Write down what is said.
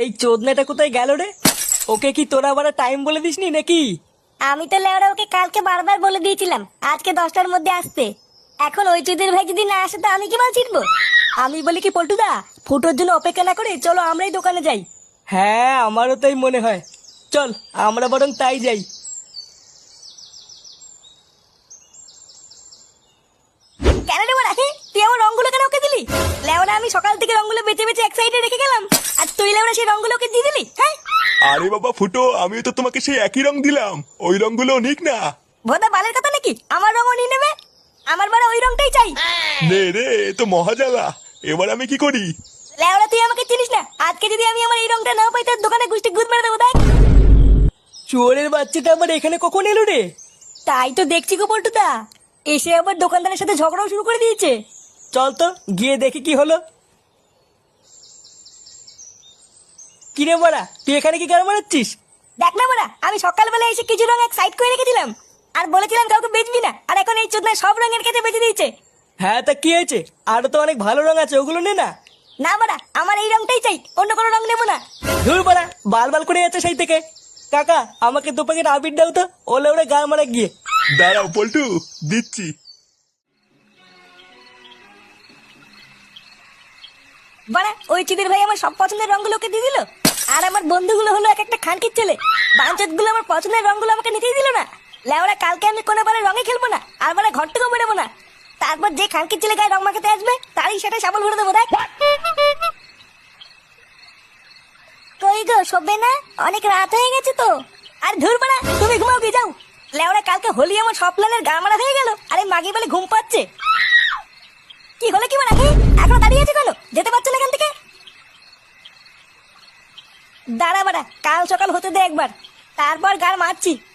এই চোদনাটা কোথায় গেল রে? ওকে কি তোরা আবার টাইম বলে দিসনি নাকি? আমি তো লেওরা ওকে কালকে বারবার বলে দিয়েছিলাম আজকে 10টার মধ্যে আসতে। এখন ওই চুদির ভাই যদি না আসে তো আমি কি মাল ছিটবো? আমি বলি কি পল্টুদা, ফুটোর জন্য অপেক্ষা না করে চলো আমরাই দোকানে যাই। হ্যাঁ আমারও তাই মনে হয়, চল আমরা বরং তাই যাই। কেন রে বড়া, তুই আমার রংগুলো কেন ওকে দিলি? লেওরা আমি সকাল থেকে রংগুলো বেঁচে বেঁচে এক সাইডে রেখে গেলাম, আর তুই লেওরা সেই রংগুলো ওকে দিয়ে দিলি? হ্যাঁ আরে বাবা ফুটো, আমিও তো তোমাকে সেই একই রং দিলাম, ওই রংগুলো নিক না। ভোদা বালের কথা নাকি আমার রঙও নিয়ে নেবে? আমার বাড়া ওই রংটাই চাই। নে রে, এ তো মহাজালা, এবার আমি কি করি? লেওরা তুই আমাকে চিনিস না, আজকে যদি আমি আমার এই রংটা না পাই তোর দোকানে গুষ্টি গুদ মেরে দেবো দেখ। চোরের বাচ্চাটা আবার এখানে কখন এলো রে? তাই তো দেখছি গো পল্টুদা, এসে আবার দোকানদারের সাথে ঝগড়াও শুরু করে দিয়েছে। চল তো গিয়ে দেখি কি হলো। কিরে বড়া, তুই এখানে কি গান মারাচ্ছিস? দেখ না বড়া, আমি সকালবেলা এসে কিছু রং এক সাইড করে রেখেছিলাম আর বলেছিলাম কাউকে বেচবি না, আর এখন এই চোদনা সব রঙের কাছে বেঁচে দিয়েছে। হ্যাঁ তা কি হয়েছে, আরো তো অনেক ভালো রং আছে, ওগুলো নে না। না বড়া, আমার এই রংটাই চাই, অন্য কোনো রং নেবো না। ধুর বড়া, বাল বাল করে যাচ্ছে সেই থেকে। কাকা আমাকে 2 প্যাকেট আবির দাও তো, ওলে ওরে গান মারা গিয়ে। দাঁড়াও পল্টু, দিচ্ছি। বড়া ওই চিদির ভাই আমার সব পছন্দের রংগুলো ওকে দিয়ে দিল, আর আমার বন্ধুগুলো হলো এক একটা খানকির ছেলে। বাঞ্চত গুলো আমার পছন্দের রংগুলো আমাকে নিতেই দিল না। লেওরা কালকে আমি কোনো বারে রঙে খেলবো না, আর বারে ঘর থেকেও বেরোবো না। তারপর যে খানকির ছেলে গায়ে রং মাখাতে আসবে তারই সেটা সাবল ভরে দেবো দেখ। কই গো শোবে না? অনেক রাত হয়ে গেছে তো। আর ধুর বাড়া, তুমি ঘুমাও গিয়ে যাও। লেওরা কালকে হোলি আমার সব প্ল্যানের গা মারা হয়ে গেল, আরে মাগি বলে ঘুম পাচ্ছে। কি হলো কি বাড়া, এখনো দাঁড়িয়ে আছে কেন? যেতে পারছো না এখান থেকে? দাঁড়া বাড়া, কাল সকাল হতে দে একবার, তারপর গান মারছি।